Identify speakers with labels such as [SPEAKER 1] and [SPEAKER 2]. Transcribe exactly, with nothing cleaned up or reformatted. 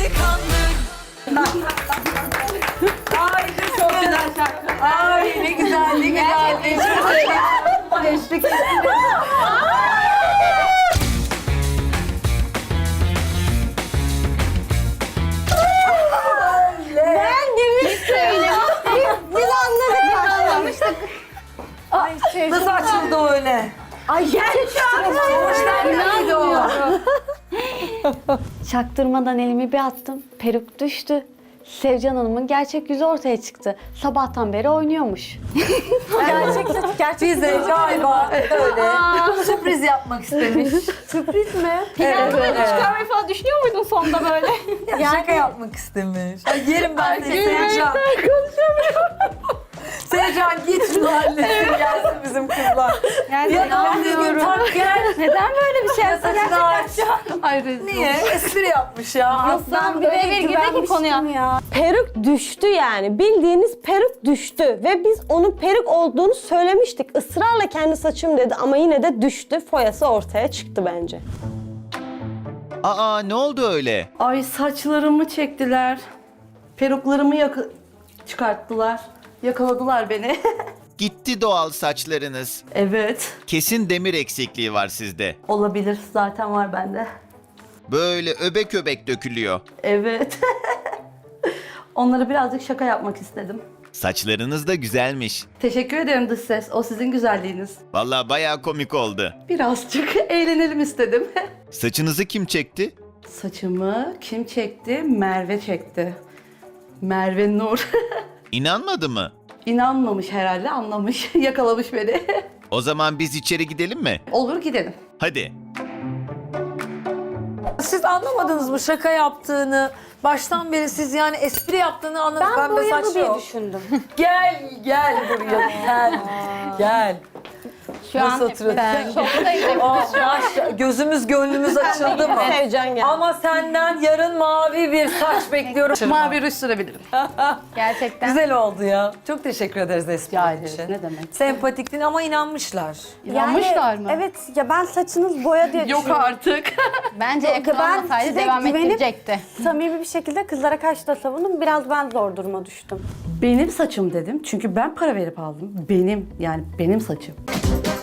[SPEAKER 1] delikanlı.
[SPEAKER 2] Ay çok güzel şarkı. Ay ne güzel, ne güzel. Eşlik ettim.
[SPEAKER 3] Ben demiştim. Biz, biz anladık. Anlamıştık. Ay sevdim.
[SPEAKER 2] Nasıl açıldı o öyle?
[SPEAKER 3] Ay gerçekten.
[SPEAKER 2] Nerede o?
[SPEAKER 4] Çaktırmadan elimi bir attım. Peruk düştü. Sevcan Hanım'ın gerçek yüzü ortaya çıktı. Sabahtan beri oynuyormuş.
[SPEAKER 3] Gerçekten. Gerçek
[SPEAKER 2] Bize galiba öyle sürpriz yapmak istemiş.
[SPEAKER 3] sürpriz mi?
[SPEAKER 2] Evet, evet.
[SPEAKER 3] Çıkarmayı falan düşünüyor muydun sonunda böyle?
[SPEAKER 2] Şaka yapmak istemiş. Ay yerim ben seni Sevcan. Sevcan git şu halletsin gelsin bizim kızlar.
[SPEAKER 3] Yani
[SPEAKER 2] Ya da düzgün tak gel.
[SPEAKER 3] Neden böyle bir şey yaptın
[SPEAKER 2] Saçını aç.
[SPEAKER 3] Ay
[SPEAKER 2] Niye? Espri yapmış ya.
[SPEAKER 3] Aslan birebir girdi ki konuya.
[SPEAKER 5] Ya. Peruk düştü yani. Bildiğiniz peruk düştü. Ve biz onun peruk olduğunu söylemiştik. Israrla kendi saçım dedi ama yine de düştü. Foyası ortaya çıktı bence.
[SPEAKER 6] Aa ne oldu öyle?
[SPEAKER 7] Ay saçlarımı çektiler. Peruklarımı yaka- çıkarttılar. Yakaladılar beni.
[SPEAKER 6] Gitti doğal saçlarınız.
[SPEAKER 7] Evet.
[SPEAKER 6] Kesin demir eksikliği var sizde.
[SPEAKER 7] Olabilir. Zaten var bende.
[SPEAKER 6] Böyle öbek öbek dökülüyor.
[SPEAKER 7] Evet. Onlara birazcık şaka yapmak istedim.
[SPEAKER 6] Saçlarınız da güzelmiş.
[SPEAKER 7] Teşekkür ederim dış ses. O sizin güzelliğiniz.
[SPEAKER 6] Vallahi bayağı komik oldu.
[SPEAKER 7] Birazcık eğlenelim istedim.
[SPEAKER 6] Saçınızı kim çekti?
[SPEAKER 7] Saçımı kim çekti? Merve çekti. Merve Nur.
[SPEAKER 6] İnanmadı mı?
[SPEAKER 7] İnanmamış herhalde, anlamış. Yakalamış beni.
[SPEAKER 6] O zaman biz içeri gidelim mi?
[SPEAKER 7] Olur gidelim.
[SPEAKER 6] Hadi.
[SPEAKER 2] Siz anlamadınız mı şaka yaptığını? Baştan beri siz yani espri yaptığını anladınız.
[SPEAKER 3] Ben
[SPEAKER 2] Pembe
[SPEAKER 3] boyalı
[SPEAKER 2] saçlı
[SPEAKER 3] diye
[SPEAKER 2] o.
[SPEAKER 3] düşündüm.
[SPEAKER 2] Gel, gel buraya, gel. Gel.
[SPEAKER 3] Şu
[SPEAKER 2] Nasıl
[SPEAKER 3] an
[SPEAKER 2] oturuyorsun?
[SPEAKER 3] ben şoktayım.
[SPEAKER 2] Aa, maş- gözümüz gönlümüz açıldı mı?
[SPEAKER 5] Sevcan geldi.
[SPEAKER 2] Ama senden yarın mavi bir saç bekliyorum.
[SPEAKER 7] Mavi ruj sürebilirim.
[SPEAKER 3] Gerçekten.
[SPEAKER 2] Güzel oldu ya. Çok teşekkür ederiz espri
[SPEAKER 7] Rica
[SPEAKER 2] için.
[SPEAKER 7] ederiz. Ne demek?
[SPEAKER 2] Sempatiktin ama inanmışlar.
[SPEAKER 7] İnanmışlar mı?
[SPEAKER 5] Evet ya ben saçınız boya diye
[SPEAKER 7] Yok artık.
[SPEAKER 3] Bence yakalanmasaydı
[SPEAKER 5] size
[SPEAKER 3] devam
[SPEAKER 5] güvenip-
[SPEAKER 3] ettirecekti.
[SPEAKER 5] Samimi bir şekilde kızlara karşı da savundum. Biraz ben zor duruma düştüm.
[SPEAKER 7] Benim saçım dedim. Çünkü ben para verip aldım. Benim yani benim saçım.